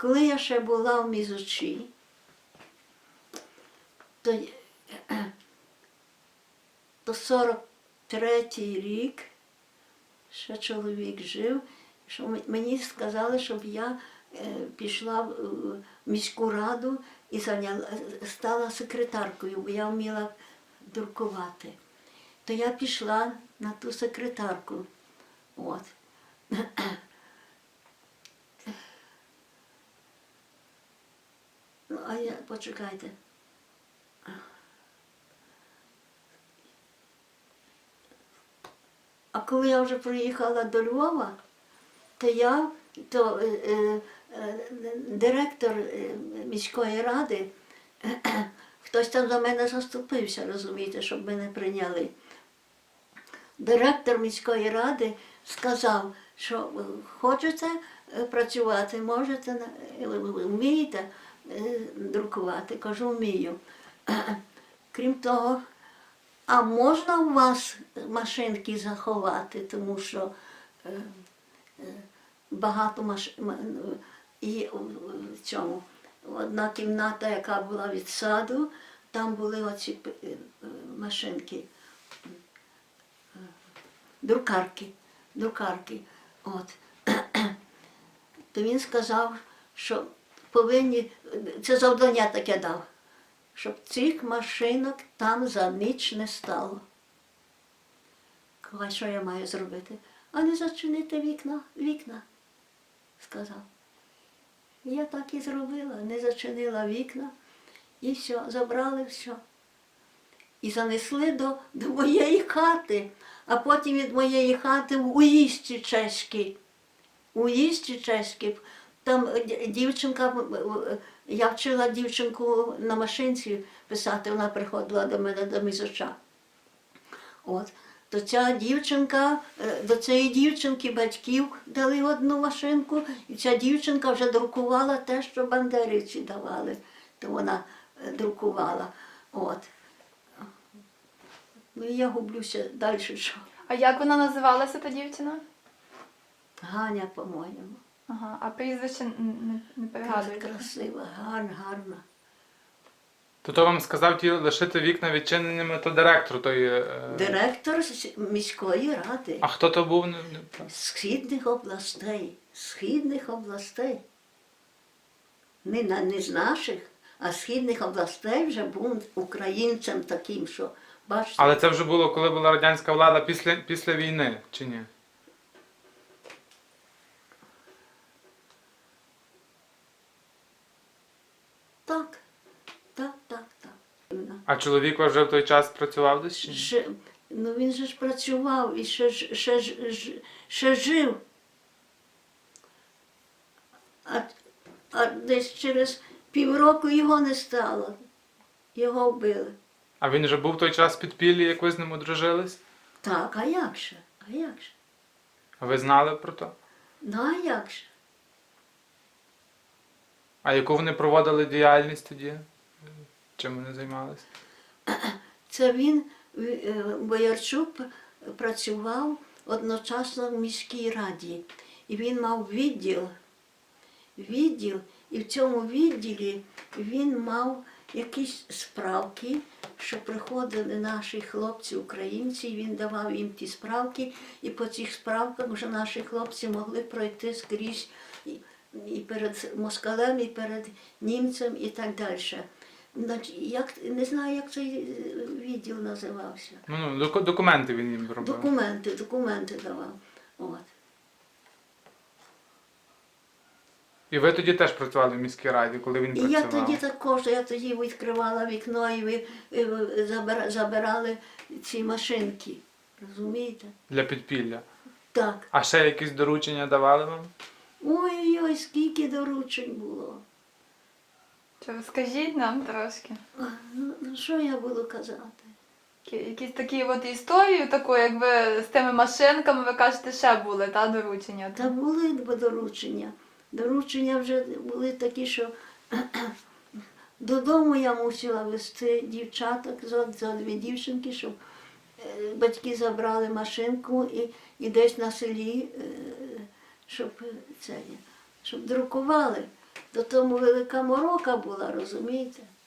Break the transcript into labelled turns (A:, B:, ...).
A: коли я ще була в Мізучі, то 43-й рік ще чоловік жив, що мені сказали, щоб я пішла в міську раду і стала секретаркою, бо я вміла друкувати. То я пішла на ту секретарку. От. Ну, а я, почекайте. А коли я вже приїхала до Львова, то директор міської ради, хтось там за мене заступився, розумієте, щоб мене прийняли. Директор міської ради сказав, що хочете працювати, можете, вмієте друкувати. Кажу, вмію. Крім того, а можна у вас машинки заховати, тому що багато машин. І в цьому одна кімната, яка була від саду, там були оці машинки, друкарки. От. То він сказав, що повинні, це завдання таке дав, щоб цих машинок там за ніч не стало. Кажу, що я маю зробити? А не зачинити вікна, сказав. І я так і зробила, не зачинила вікна, і все, забрали все. І занесли до моєї хати, а потім від моєї хати в Уїзді чеській. Там дівчинка, я вчила дівчинку на машинці писати, вона приходила до мене до Мізоча. От. То ця дівчинка, до цієї дівчинки батьків дали одну машинку, і ця дівчинка вже друкувала те, що бандерівці давали, то вона друкувала. От. Ну і я гублюся далі що.
B: А як вона називалася, та дівчина?
A: Ганя, по-моєму.
B: Ага, а прізвище не пригадуєте?
A: Красива, гарна.
C: То вам сказав ті лишити вікна відчиненими, то директор той...
A: Директор міської ради.
C: А хто то був?
A: Східних областей. Не з наших, а східних областей вже був українцем таким, що, бачите.
C: Але це вже було, коли була радянська влада після війни, чи ні?
A: Так.
C: А чоловік ваш вже в той час працював десь? Чи ні?
A: Ну він же ж працював і ще жив. А десь через півроку його не стало. Його вбили.
C: А він вже був в той час в підпіллі, як ви з ним одружились?
A: Так, а як же?
C: А ви знали про то?
A: Ну, а як же?
C: А яку вони проводили діяльність тоді? Чим вони займалися?
A: Це він, Боярчук, працював одночасно в міській раді. І він мав відділ, і в цьому відділі він мав якісь справки, що приходили наші хлопці, українці, і він давав їм ті справки, і по цих справках вже наші хлопці могли пройти скрізь і перед москалем, і перед німцем, і так далі. Не знаю, як цей відділ називався.
C: Ну, документи він їм робив.
A: Документи давав. От.
C: І ви тоді теж працювали в міській раді, коли він працював?
A: І я тоді також, я тоді відкривала вікно і забирали ці машинки. Розумієте?
C: Для підпілля?
A: Так.
C: А ще якісь доручення давали вам?
A: Ой-ой-ой, скільки доручень було.
B: Чи розкажіть нам трошки?
A: Ну, що я буду казати?
B: Якісь такі от історії, таку, як ви з тими машинками, ви кажете, ще були, та, доручення?
A: Та були доручення. Доручення вже були такі, що додому я мусила везти дівчаток, за дві дівчинки, щоб батьки забрали машинку і десь на селі, щоб друкували. До тому велика морока була, розумієте?